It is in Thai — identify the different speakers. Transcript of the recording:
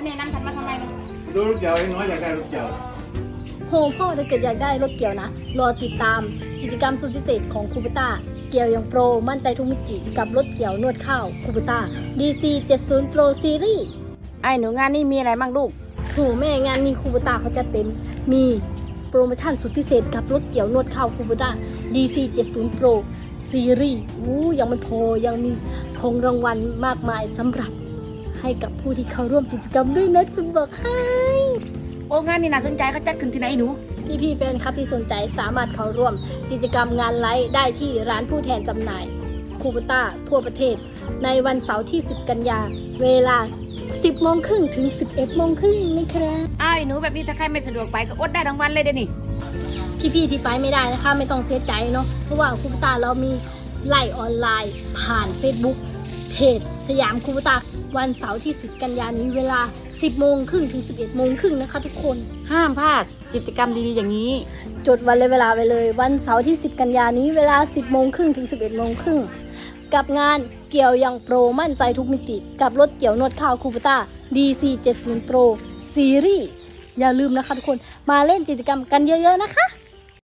Speaker 1: แนะนำฉันมาทำไมมัน
Speaker 2: ดูลูกเกี่ยวน้อยอยากได้ลูกเกี่ยว
Speaker 3: โหพ่อถ้าเกิดอยากได้รถเกี่ยวนะรอติดตามกิจกรรมสุดพิเศษของคูปต้าเกี่ยวอย่างโปรมั่นใจทุกมิติกับรถเกี่ยวนวดข้าวคูปต้า DC 70 Pro Series
Speaker 1: ไอ้หนูงานนี่มีอะไรบ้างลูก
Speaker 3: โหแม่งานนี้คูปต้าเขาจะเต็มมีโปรโมชั่นสุดพิเศษกับรถเกี่ยวนวดข้าวคูปต้า DC 70 Pro Series ยังไม่พอยังมีของรางวัลมากมายสำหรับให้กับผู้ที่เข้าร่วมกิจกรรมด้วยนะจะบอกให้
Speaker 1: โอ้งานนี่น่าสนใจเขาจัดขึ้นที่ไหนหนู
Speaker 3: พี่แฟนคลับที่สนใจสามารถเข้าร่วมกิจกรรมงานไลฟ์ได้ที่ร้านผู้แทนจำหน่ายคูปต้าทั่วประเทศในวันเสาร์ที่ 10 กันยาเวลา 10 โมงครึ่งถึง 11 โมงครึ่งนะครับ
Speaker 1: ไอ้หนูแบบนี้ถ้าใครไม่สะดวกไปก็อดได้ทั้งวันเลยเดี๋ยวนี้
Speaker 3: พี่ที่ไปไม่ได้นะคะไม่ต้องเสียใจเนาะเพราะว่าคูปต้าเรามีไลฟ์ออนไลน์ผ่าน Facebook เพจสยามคูปต้าวันเสาร์ที่ 10 กันยานี้เวลา 10 โมงครึ่งถึง 11 โมงครึ่งนะคะทุกคน
Speaker 1: ห้ามพลาดกิจกรรมดีๆอย่างนี้
Speaker 3: จดวันและเวลาไปเลยวันเสาร์ที่ 10 กันยานี้เวลา 10 โมงครึ่งถึง 11 โมงครึ่งกับงานเกี่ยวอย่างโปรมั่นใจทุกมิติกับรถเกี่ยวนวดข้าวคูปต้า DC 70 Pro Series อย่าลืมนะคะทุกคนมาเล่นกิจกรรมกันเยอะๆนะคะ